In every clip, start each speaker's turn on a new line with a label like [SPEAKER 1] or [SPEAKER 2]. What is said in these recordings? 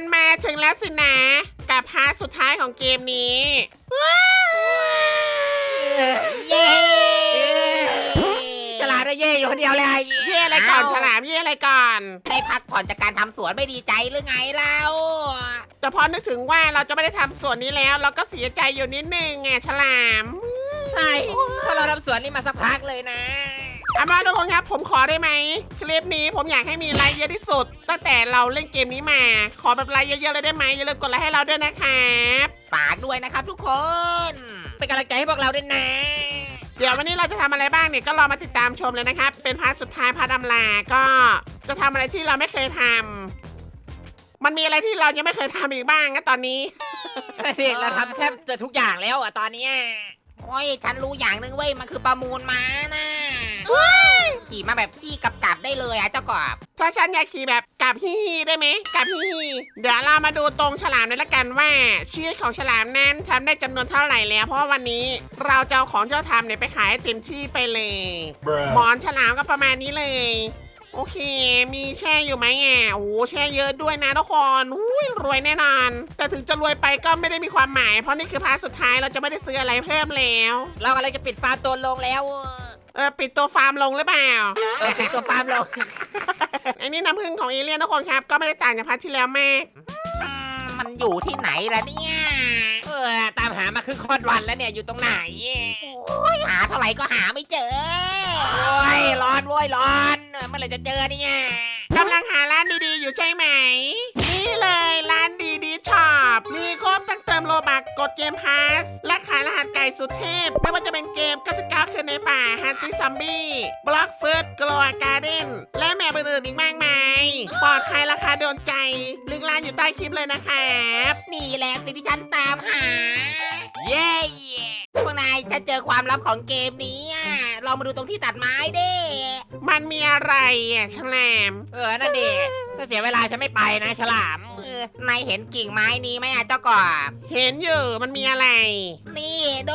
[SPEAKER 1] มันมาถึงแล้วสินะกับพาร์ทสุดท้ายของเกมนี้
[SPEAKER 2] เย้
[SPEAKER 3] ฉลาดได้เย่อยู่คนเดียวเลย
[SPEAKER 1] เย่อะไรก่อนฉลามเย่อะไรก่อน
[SPEAKER 2] ได้พักผ่อนจากการทำสวนไม่ดีใจหรือไงเล่า
[SPEAKER 1] แต่พอนึกถึงว่าเราจะไม่ได้ทำส่วนนี้แล้วเราก็เสียใจอยู่นิดนึงไงฉลาม
[SPEAKER 3] ใช่เพราะเราทำสวนนี่มาสักพักเลยนะ
[SPEAKER 1] เอามาทุกคนครับผมขอได้ไหมคลิปนี้ผมอยากให้มีไลค์เยอะที่สุดตั้งแต่เราเล่นเกมนี้มาขอแบบไลค์เยอะๆเลยได้ไหมอย่าลืมกดไลค์ให้เราด้วยนะครับ
[SPEAKER 2] ฝากด้วยนะครับทุกคน
[SPEAKER 3] เป็นกำลังใจให้พวกเราด้วยนะ
[SPEAKER 1] เดี๋ยววันนี้เราจะทำอะไรบ้างเนี่ยก็รอมาติดตามชมเลยนะครับเป็นพาร์ทสุดท้ายพาร์ทอำลาก็จะทำอะไรที่เราไม่เคยทำมันมีอะไรที่เรายังไม่เคยทำอีกบ้างนะตอนนี้
[SPEAKER 3] เราทำแทบจะทุกอย่างแล้วตอนนี้
[SPEAKER 2] โอ้ยฉันรู้อย่างหนึ่งเว้ยมันคือประมูลม้านะขี่มาแบบพี่กับได้เลยเจ้ากบ
[SPEAKER 1] ถ้าฉันอยากขี่แบบกับฮิฮิได้ไหมกับฮิฮิเดี๋ยวเรามาดูตรงฉลามเลยละกันว่าชีวิตของฉลามนั้นทำได้จำนวนเท่าไหร่แล้วเพราะว่าวันนี้เราจะเอาของที่เราทำเนี่ยไปขายให้เต็มที่ไปเลยหมอนฉลามก็ประมาณนี้เลยโอเคมีแช่อยู่ไหมโอ้แช่เยอะด้วยนะทุกคนรวยแน่นอนแต่ถึงจะรวยไปก็ไม่ได้มีความหมายเพราะนี่คือพาร์ทสุดท้ายเราจะไม่ได้ซื้ออะไรเพิ่มแล้ว
[SPEAKER 3] เรากำลังจะปิดฟาร์มตัวลงแล้ว
[SPEAKER 1] ปิดตัวฟาร์มลงหรือเปล่า
[SPEAKER 3] ปิดตัวฟาร์มลง
[SPEAKER 1] อันนี้น้ำผึ้งของเอเลี่ยนทุกคนครับก็ไม่ได้ต่างจากพาร์ทที่แล้วมาก
[SPEAKER 2] มันอยู่ที่ไหนล่ะเนี่ย
[SPEAKER 3] ตามหามาครึ่งค่อนวันแล้วเนี่ยอยู่ตรงไหน
[SPEAKER 2] หาเท่าไหร่ก็หาไม่เจอ
[SPEAKER 3] โอ้ยร้อนโว้ยร้อนเมื่อไหร่จะเจอเนี่ย
[SPEAKER 1] กำลังหาร้านดีๆอยู่ใช่ไหมนี่เลยร้านดีๆช็อปมีครบตั้งเติมโลบักกดเกมพาสและขายรหัสไก่สุดเทพไม่ว่าจะเป็นเกม99คืนในป่าฮันตี้ซัมบี้บล็อกเฟิร์สกลัวการ์เด้นและแมปอื่นๆอีกมากมายปลอดภัยราคาโดนใจลิงก์ร้านอยู่ใต้คลิปเลยนะครับ
[SPEAKER 2] นี่แหละสิ่งที่ฉันตามหา
[SPEAKER 3] เย้
[SPEAKER 2] พวกนายจะเจอความลับของเกมนี้ลองมาดูตรงที่ตัดไม้ดิ
[SPEAKER 1] มันมีอะไรฉลาม
[SPEAKER 3] นั่นดิถ้าเสียเวลาฉันไม่ไปนะฉลาม
[SPEAKER 2] นายเห็นกิ่งไม้นี้ไหมเจ้ากบ
[SPEAKER 1] เห็นอยู่มันมีอะไร
[SPEAKER 2] นี่ดู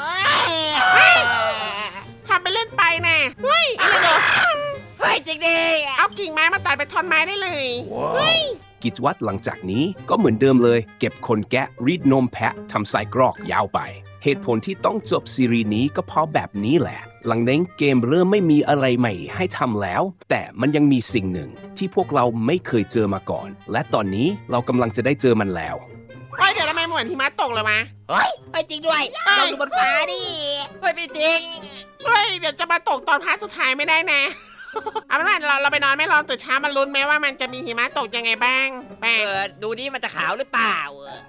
[SPEAKER 1] ทำไปเล่นไปนะเฮ้ยอะไรเนอะ
[SPEAKER 3] เฮ้ยจริงดิ
[SPEAKER 1] เอากิ่งไม้มาตัดเป็นท่อนไม้ได้เลยเฮ้ย
[SPEAKER 4] กิจวัตรหลังจากนี้ก็เหมือนเดิมเลย เก็บขนแกะรีดนมแพะทำไส้กรอกยาวไป เหตุผลที่ต้องจบซีรีส์นี้ก็เพราะแบบนี้แหละ หลังนั้นเกมเริ่มไม่มีอะไรใหม่ให้ทำแล้ว แต่มันยังมีสิ่งหนึ่งที่พวกเราไม่เคยเจอมาก่อน และตอนนี้เรากำลังจะได้เจอมันแล้ว
[SPEAKER 1] เฮ้ยเดี๋ยวทำไมเหมือนหิมะตกเลยวะ
[SPEAKER 2] เฮ้ยไปจริงด้วยลองดูบนฟ้าดิ
[SPEAKER 3] เฮ้ยไม่จริง
[SPEAKER 1] เฮ้ยเดี๋ยวจะมาตกตอนพาร์ทสุดท้ายไม่ได้นะ เอาเป็นว่าเราไปนอนไม่รอตื่นเช้ามาลุ้นไหมว่ามันจะมีหิมะตกยังไงบ้างแปลก
[SPEAKER 3] ดูดิมันจะขาวหรือเปล่า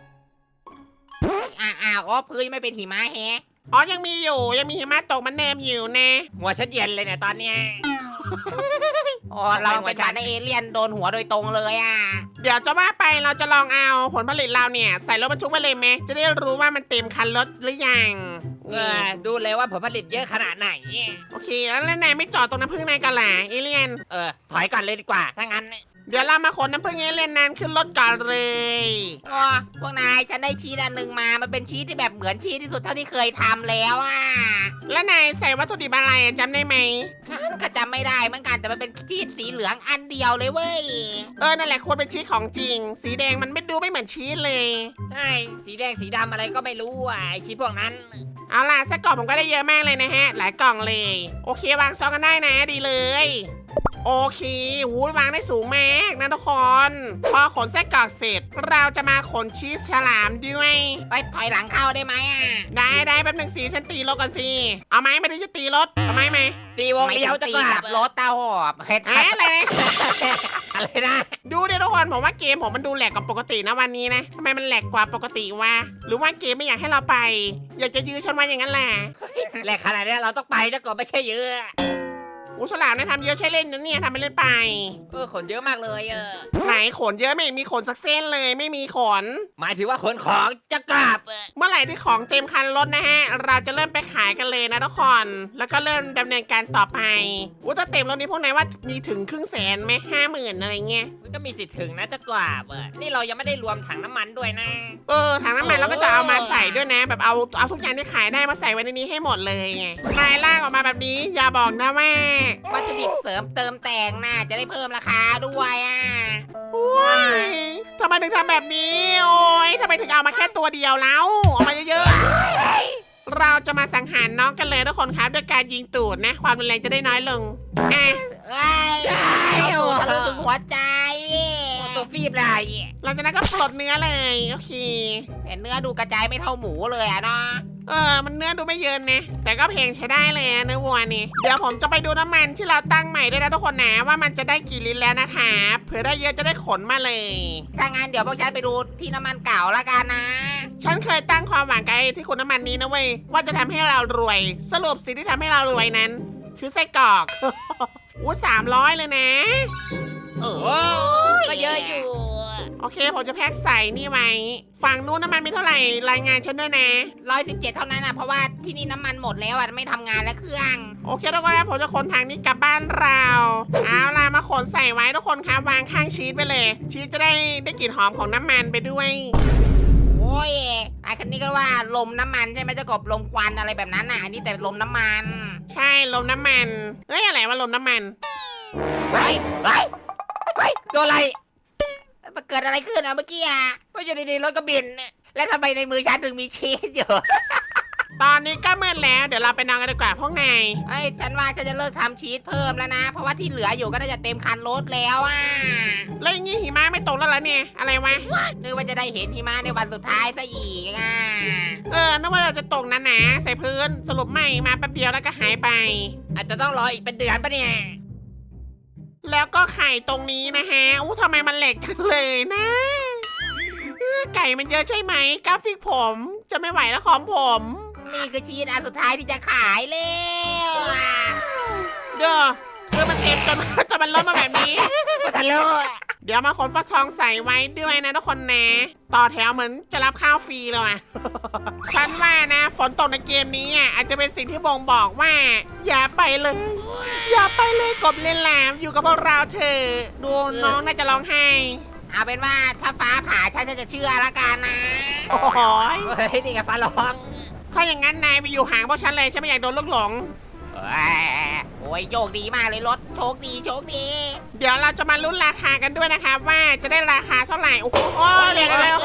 [SPEAKER 2] อ๋อพื้นไม่เป็นหิมะแฮะ
[SPEAKER 1] อ๋อยังมีอยู่ยังมีหิมะตกมันเนมอยู่นะ
[SPEAKER 3] หัวฉันเย็นเลยเนี่ยตอนเนี้ย
[SPEAKER 2] อ๋อเราเป็นฐานเอเลี่ยนโดนหัวโดยตรงเลย
[SPEAKER 1] เดี๋ยวจะว่าไปเราจะลองเอาผลผลิตเราเนี่ยใส่รถบรรทุกไปเลยไหมจะได้รู้ว่ามันเต็มคันรถหรือยังนี่
[SPEAKER 3] ดูเลยว่าผลผลิตเยอะขนาดไหน
[SPEAKER 1] โอเคแล้วนายไม่จอดตรงน้ำผึ้งนายกันล่ะเอเลี่ยน
[SPEAKER 3] ถอยก่อนเลยดีกว่าถ้างั้น
[SPEAKER 1] เดี๋ยวเรามาขนน้ำผึ้งเอเลี่ยนนั้นขึ้นรถก่อนเลย
[SPEAKER 2] อ๋อพวกนายฉันได้ชีสอันหนึ่งมามันเป็นชีสที่แบบเหมือนชีสที่สุดเท่าที่เคยทำแล้ว
[SPEAKER 1] แล้วนายใส่วัตถุดิบอะไรจำได้ไหม
[SPEAKER 2] ฉันก็จำไม่ได้เหมือนกันแต่มันเป็นชีสสีเหลืองอันเดียวเลยเว้ย
[SPEAKER 1] นั่นแหละควรเป็นชีสของจริง สีแดงมันไม่ดูไม่เหมือนชีสเลย
[SPEAKER 3] ใช่สีแดงสีดำอะไรก็ไม่รู้ไอชิ้นพวกนั้น
[SPEAKER 1] เอาล่ะไส้กรอกผมก็ได้เยอะมากเลยนะฮะหลายกล่องเลย โอเควางซองกันได้นะดีเลยโอเควางได้สูงมากนะทุกคนพอขนไส้กรอกเสร็จเราจะมาขนชีสฉลามด้วย
[SPEAKER 2] ไปถอยหลังเข้าได้ไหม
[SPEAKER 1] ได้แป๊บหนึ่งสีฉันตีรถก่อนสิเอาไหมไม่ได้จะตีรถเอาไหม
[SPEAKER 3] ตีวงเลี้ยวจะ
[SPEAKER 2] ตี
[SPEAKER 3] กลั
[SPEAKER 2] กั
[SPEAKER 3] บบ
[SPEAKER 2] รถตาหอบเฮ้ย
[SPEAKER 1] อะไร
[SPEAKER 3] อะไรนะ
[SPEAKER 1] ดูดิทุกคนผมว่าเกมผมมันดูแหลกกว่าปกตินะวันนี้นะทำไมมันแหลกกว่าปกติวะหรือว่าเกมไม่อยากให้เราไป อยากจะยื้อฉันไว้อย่างนั้นแหละ
[SPEAKER 3] แหลกขนาดนี้เราต้องไปจะก่อนไม่ใช่เยอะ
[SPEAKER 1] ฉลามเนี่ยทำเยอะใช่เล่นนะเนี่ยทำไปเล่นไป
[SPEAKER 3] ขนเยอะมากเลย
[SPEAKER 1] ไหนขนเยอะไม่มีขนสักเส้นเลยไม่มีขน
[SPEAKER 3] หมายถึงว่าขนของจะกลับ
[SPEAKER 1] เมื่อไหร่ที่ของเต็มคันรถนะฮะเราจะเริ่มไปขายกันเลยนะทุกคนแล้วก็เริ่มดำเนินการต่อไปถ้าเต็มรถนี้พวกนายว่ามีถึง100,000ไหม50,000อะไรเงี้ย
[SPEAKER 3] มันก็มีสิทธิ์ถึงนะจะกลับนี่เรายังไม่ได้รวมถังน้ำมันด้วยนะ
[SPEAKER 1] ถังน้ำมันเราก็จะเอามาใส่ด้วยนะ แบบเอาทุกอย่างที่ขายได้มาใส่ไว้ในนี้ให้หมดเลยไงนายลากออกมาแบบนี้อย่าบอกนะว่า
[SPEAKER 2] วัตถุดิบเสริมเติมแต่งน่าจะได้เพิ่มราคาด้วยอ่ะ
[SPEAKER 1] ว้ายทำไมถึงทำแบบนี้ โอ้ยทำไมถึงเอามาแค่ตัวเดียวแล้วเอามาเยอะๆเราจะมาสังหารน้องกันเลยทุกคนครับด้วยการยิงตูดนะ ความรุนแรงจะได้น้อยลงอ่ะ
[SPEAKER 2] เอ้ยเอาตูดทะลุถึงหัวใจ
[SPEAKER 3] ตัวฟีบเลย
[SPEAKER 1] หลังจากนั้นก็ปลดเนื้อเลยโอเค
[SPEAKER 2] แต่เนื้อดูกระจายไม่เท่าหมูเลยอ่ะเนาะ
[SPEAKER 1] มันเนื้อดูไม่เยินนะแต่ก็เพลงใช้ได้เลยนะเนื้อวัวนี่เดี๋ยวผมจะไปดูน้ำมันที่เราตั้งใหม่ด้วยนะทุกคนนะว่ามันจะได้กี่ลิตรแล้วนะคะเผื่อได้เยอะจะได้ขนมาเลย
[SPEAKER 2] ถ้างั้นเดี๋ยวพวกฉันไปดูที่น้ำมันเก่าละกันนะ
[SPEAKER 1] ฉันเคยตั้งความหวังกับไอ้ที่คุณน้ำมันนี้นะเว้ยว่าจะทำให้เรารวย สรุปสิ่งที่ทำให้เรารวยนั้น คือไส้กรอก อู้300เลยนะ
[SPEAKER 2] เอ
[SPEAKER 3] โอ้
[SPEAKER 2] อ
[SPEAKER 3] ก็เยอะอยู่
[SPEAKER 1] โอเคผมจะแพ็คใส่นี่ไว้ฝั่งนู้นน้ำมันมีเท่าไหร่รายงานฉันด้วยนะ
[SPEAKER 2] 117เท่านั้นอ่ะเพราะว่าที่นี่น้ำมันหมดแล้วอ่ะไม่ทำงานแล้วเครื่อง
[SPEAKER 1] โอเคทุกคนนะผมจะขนทางนี้กลับบ้านเราเอาล่ะมาขนใส่ไว้ทุกคนครับวางข้างชีสไปเลย ชีสจะได้กลิ่นหอมของน้ำมันไปด้วย
[SPEAKER 2] โอ้ยไอ้คันนี้ก็ว่าลมน้ำมันใช่ไหมเจ้ากบลมควันอะไรแบบนั้นน่ะอันนี้แต่ลมน้ำมัน
[SPEAKER 1] ใช่ลมน้ำมันเฮ้ยอะไรวะลมน้ำมัน
[SPEAKER 2] เฮ้ยเฮ้ย
[SPEAKER 3] เฮ้ยตัวอะไร
[SPEAKER 2] มันเกิดอะไรขึ้นอ่ะเมื่อกี้อ่ะ
[SPEAKER 3] ก็อยู่ดีๆรถก็บิน
[SPEAKER 2] แล้วทำไมในมือฉันถึงมีชีสอยู่
[SPEAKER 1] ตอนนี้ก็มืดแล้วเดี๋ยวเราไปนอนกันดีกว่าพวกนาย
[SPEAKER 2] เอ้ยฉันว่าฉันจะเลิกทำชีสเพิ่มแล้วนะ เพราะว่าที่เหลืออยู่ก็น่าจะเต็มคันรถแล้วอ่ะ
[SPEAKER 1] แล้วอย่างงี้หิมะไม่ตกแล้วเหรอเนี่ยอะไรวะ
[SPEAKER 2] นึกว่าจะได้เห็นหิมะในวันสุดท้ายซะอีกอ่ะ
[SPEAKER 1] นึกว่าจะตกหนาๆใส่พื้นสรุปไม่มาแป๊บเดียวแล้วก็หายไป
[SPEAKER 3] อาจจะต้องรออีกเป็นเดือนปะเนี่ย
[SPEAKER 1] แล้วก็ไข่ตรงนี้นะฮะอู้ทำไมมันแหลกจังเลยนะไก่มันเยอะใช่ไหมกราฟิกผมจะไม่ไหวแล้วของผม
[SPEAKER 2] นี่คือชีสอันสุดท้ายที่จะขายแล้วอ่ะ
[SPEAKER 1] เด้อมันเต็มจน จนมันล้มมาแบบนี้
[SPEAKER 3] ก็ทันแล้ว
[SPEAKER 1] เดี๋ยวมาขนฟักทองใส่ไว้ด้วยนะทุกคนนะต่อแถวเหมือนจะรับข้าวฟรีเลยอ่ะ ฉันว่านะฝนตกในเกมนี้อ่ะอาจจะเป็นสิ่งที่บ่งบอกว่า อย่าไปเลย อย่าไปเลยกบเล่นแหลมอยู่กับพวกเราเถอะดูน้องน่าจะร้องไห้
[SPEAKER 2] เอาเป็นว่าถ้าฟ้าผ่าฉันจะเชื่อละกันนะ
[SPEAKER 1] โอ้ย
[SPEAKER 3] เฮ้ยนี่ไงฟ้าร้อง
[SPEAKER 1] ถ้าอย่างนั้นนายไปอยู่ห่างพวกฉันเลยฉันไม่อยากโดนลูกหลง
[SPEAKER 2] โอ้ยโยกดีมากเลยรถโชคดีโชคดี
[SPEAKER 1] เดี๋ยวเราจะมาลุ้นราคากันด้วยนะครับว่าจะได้ราคาเท่าไหร่โอ้โหโอ้ยเร็วเร็ว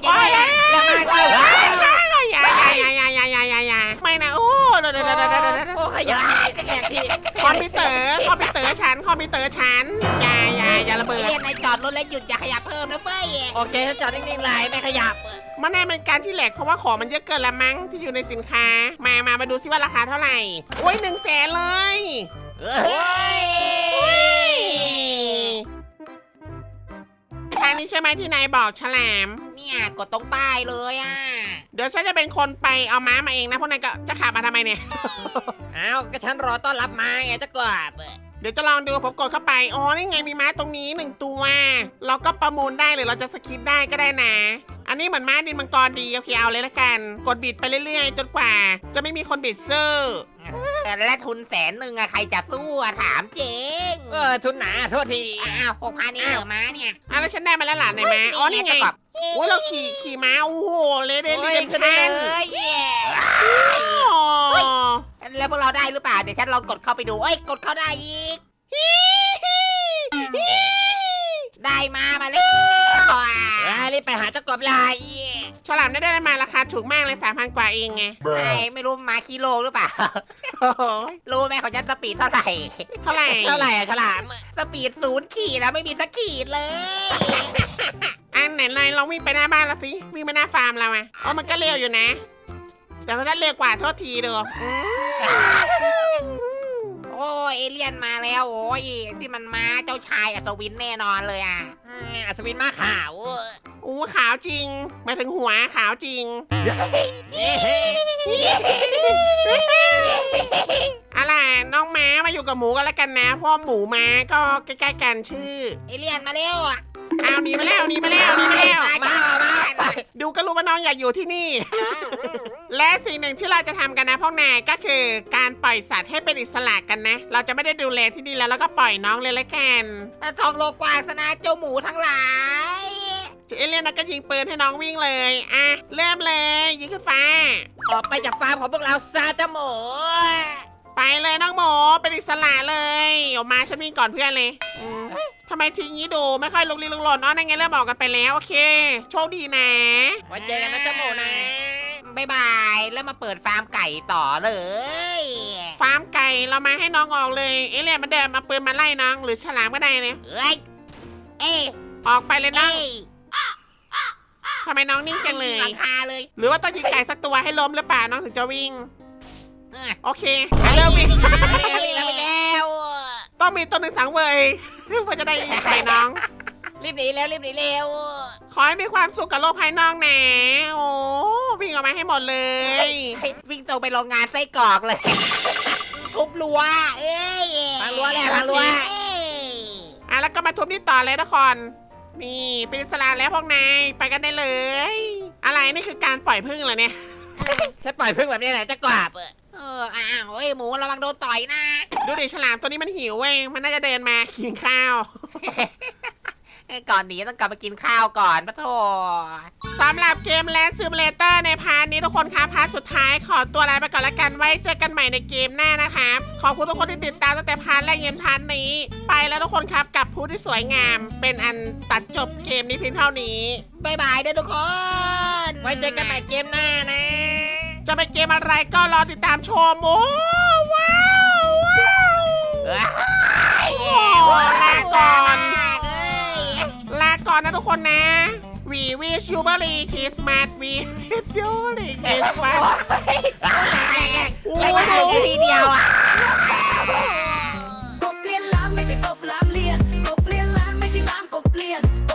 [SPEAKER 1] อย่าไม่นะโอ้เดี๋ยว
[SPEAKER 3] โอ้ขยันแขกที
[SPEAKER 1] คอมพิวเตอร์ฉันอย่าระเบิด
[SPEAKER 2] เรียนในจอดรถและหยุดอย่าขยับเพิ่มนะเฟ้ย
[SPEAKER 3] โอเคฉันจอดนิ่งๆเลยไม่ขยับ
[SPEAKER 1] มันแน่เป็นการที่แหลกเพราะว่าของมันเยอะเกินละมั้งที่อยู่ในสินค้ามาดูซิว่าราคาเท่าไหร่โอ้ย100,000เลย
[SPEAKER 2] เฮ้ย
[SPEAKER 1] ทางนี้ใช่ไหมที่นายบอกฉลาม
[SPEAKER 2] เนี่ยกดตรงป้ายเลยอ่ะ
[SPEAKER 1] เดี๋ยวฉันจะเป็นคนไปเอาม้ามาเองนะพวกนายก็จะขับมาทำไมเนี่ย
[SPEAKER 3] อ้าวก็ฉันรอต้อนรับมาไงจะกราบ
[SPEAKER 1] เดี๋ยวจะลองดูผมกดเข้าไปอ๋อนี่ไงมีม้าตรงนี้1ตัวเราก็ประมูลได้หรือเราจะสคิปได้ก็ได้นะ อันนี้เหมือนม้าดินมังกรดีโอเคเอาเลยละกันกดบิดไปเรื่อยๆจนกว่า จะไม่มีคนบิดซื้อ
[SPEAKER 2] และทุน100,000อะใครจะสู้อะถามเจง
[SPEAKER 3] ทุนหนาโทษที
[SPEAKER 2] อ้าว6,000นี่เหรอม้าเนี่ย
[SPEAKER 1] อ่ะแล้วฉันได้มาแล้วหลานไหนม้าอ๋อนี่ไง
[SPEAKER 2] เจ้ากบ
[SPEAKER 1] โอ้ยเราขี่ม้าโอ้โหเลเดน
[SPEAKER 3] โอ้
[SPEAKER 1] เด
[SPEAKER 3] ย
[SPEAKER 1] ม
[SPEAKER 3] จะได้
[SPEAKER 1] ชัน
[SPEAKER 3] เลย
[SPEAKER 2] แล้วพวกเราได้หรือเปล่าเดี๋ยวฉันลองกดเข้าไปดูเอ้ยกดเข้าได้อีก ได้มาเลย
[SPEAKER 3] รีบไปหาเจ้ากบลาย
[SPEAKER 1] ฉลามได้มาราคาถูกมากเลย 3,000 กว่าเองไง
[SPEAKER 2] ไอ้ไม่รู้มาคิโลหรือเปล่า
[SPEAKER 1] โอ้โห
[SPEAKER 2] รู้ไหมของฉันสปีดเท่าไหร่
[SPEAKER 1] เท่าไหร่
[SPEAKER 3] เท่าไหร่อะฉลาม
[SPEAKER 2] สปีด0 ขีดนะไม่มีสักขีดเลย
[SPEAKER 1] อันไหนเลยลองวิ่งไปหน้าบ้านเราสิวิ่งไปหน้าฟาร์มเราอะอ๋อมันก็เร็วอยู่นะ แต่ก็จะเร็วกว่าโทษทีเด้อ
[SPEAKER 2] โอ้ยเอเลี่ยนมาแล้วโอ้ยที่มันมาเจ้าชายอัศวินแน่นอนเลยอ่ะ
[SPEAKER 3] อัศวินมาขาว
[SPEAKER 1] อู้ขาวจริงหมายถึงหัวขาวจริง อะไรน้องม้ามาอยู่กับหมูกันแล้วกันนะเพราะหมูม้าก็ใกล้ๆกันชื่อ
[SPEAKER 2] เอเลี่ยนมาเร็วอ่ะ
[SPEAKER 1] เอาหนีมาแล้ว
[SPEAKER 2] มา
[SPEAKER 1] ดูก็รู้ว่าน้องอยากอยู่ที่นี่ และสิ่งหนึ่งที่เราจะทำกันนะพวกนายก็คือการปล่อยสัตว์ให้เป็นอิสระกันนะ เราจะไม่ได้ดูแลที่นี่แล้วก็ปล่อยน้องเลยละกัน
[SPEAKER 2] ทองโลกกว้างสนะเจ้าหมูทั้งหลาย
[SPEAKER 1] เอเลี่ยนนะก็ยิงปืนให้น้องวิ่งเลยอ่ะเริ่มเลยยิงขึ้นฟ้า
[SPEAKER 3] ออกไปจากฟาร์มของพวกเราซาตาโม
[SPEAKER 1] ไปไปเลยน้องหมูเป็นอิสระเลยออกมาฉันวิ่งก่อนเพื่อนเลยทำไมทีนี้ดูไม่ค่อยลุกลี้ลุกลนนั่นไงเริ่มบอกกันไปแล้วโอเคโชคดีนะ
[SPEAKER 3] ไว้เจอกันนะเจ้าหมูนะ
[SPEAKER 2] บ๊ายบายแล้วมาเปิดฟาร์มไก่ต่อเลย
[SPEAKER 1] ฟาร์มไก่เรามาให้น้องออกเลยเอเลี่ยนมันเดินมาปืนมาไล่น้องหรือฉลามก็ได้เนี่ย
[SPEAKER 2] เอ้ยเอ้ย
[SPEAKER 1] ออกไปเลยน้อง
[SPEAKER 2] เอ้ย
[SPEAKER 1] ทำไมน้องนิ่งจังเลย
[SPEAKER 2] หลังคาเลย
[SPEAKER 1] หรือว่าต้องยิงไก่สักตัวให้ล้มหรือเปล่าน้องถึงจะวิ่ง
[SPEAKER 2] เออ
[SPEAKER 1] โอเคเริ่มวิ่ง
[SPEAKER 3] แล้ว
[SPEAKER 1] ต้องมีตัวหนึ่งสังเวย เพื่อจะได้ไปน้อง
[SPEAKER 3] รีบหนีแล้วรีบหนีเร็ว
[SPEAKER 1] ขอให้มีความสุขกับโลกภายนอกนะโอ้วิ่งออกมาให้หมดเลย
[SPEAKER 2] วิ่งตรงไปโรงงานไส้กรอกเลย ทุบรั้วเอ้ย
[SPEAKER 3] พังรั้วแล้วพังรั้ว
[SPEAKER 2] เอ้ย
[SPEAKER 1] แล้วก็มาทุบนี่ต่อเลยทุกคนนี่เป็นอิสระแล้วพวกนายไปกันได้เลย อะไรนี่คือการปล่อยพึ่งเหรอเนี่ย
[SPEAKER 3] ฉันปล่อยพึ่งแบบนี้แหละจะกราบ
[SPEAKER 2] อ้าวเอ้ยหมูระวังโดนต่อยนะ
[SPEAKER 1] ดูดิฉลามตัวนี้มันหิวเว้ยมันน่าจะเดินมากินข้าว
[SPEAKER 2] ก่อนหนีต้องกลับมากินข้าวก่อนปะโถ
[SPEAKER 1] สำหรับเกมแลนด์ซิมูเลเตอร์ในพาร์ทนี้ทุกคนครับพาร์ทสุดท้ายขอตัวลาไปก่อนละกันไว้เจอกันใหม่ในเกมหน้านะครับขอบคุณทุกคนที่ติดตามตั้งแต่พาร์ทแรกยันพาร์ทนี้ ไปแล้วทุกคนครับกับผู้ที่สวยงาม เป็นอันตัดจบเกมนี้เพียงเท่านี้
[SPEAKER 2] บ๊ายบายเด้อทุกคน
[SPEAKER 3] ไว้เจอกันใหม่เกมหน้านะ
[SPEAKER 1] จะเป็นเกมอะไรก็รอติดตามชมโอ้ว้าวว้าว โอ้ลาก่อน ลาก่อนนะทุกคนนะ We wish you Merry Christmas We wish you Merry Christmas โอ้
[SPEAKER 2] ไม่
[SPEAKER 1] โห
[SPEAKER 2] ได้ทีเดียวอ่ะ
[SPEAKER 5] กบเลียนล้านไม่ใช่กบล้านเลียนกบเลียนล้านไม่ใช่ล้านกบเลียน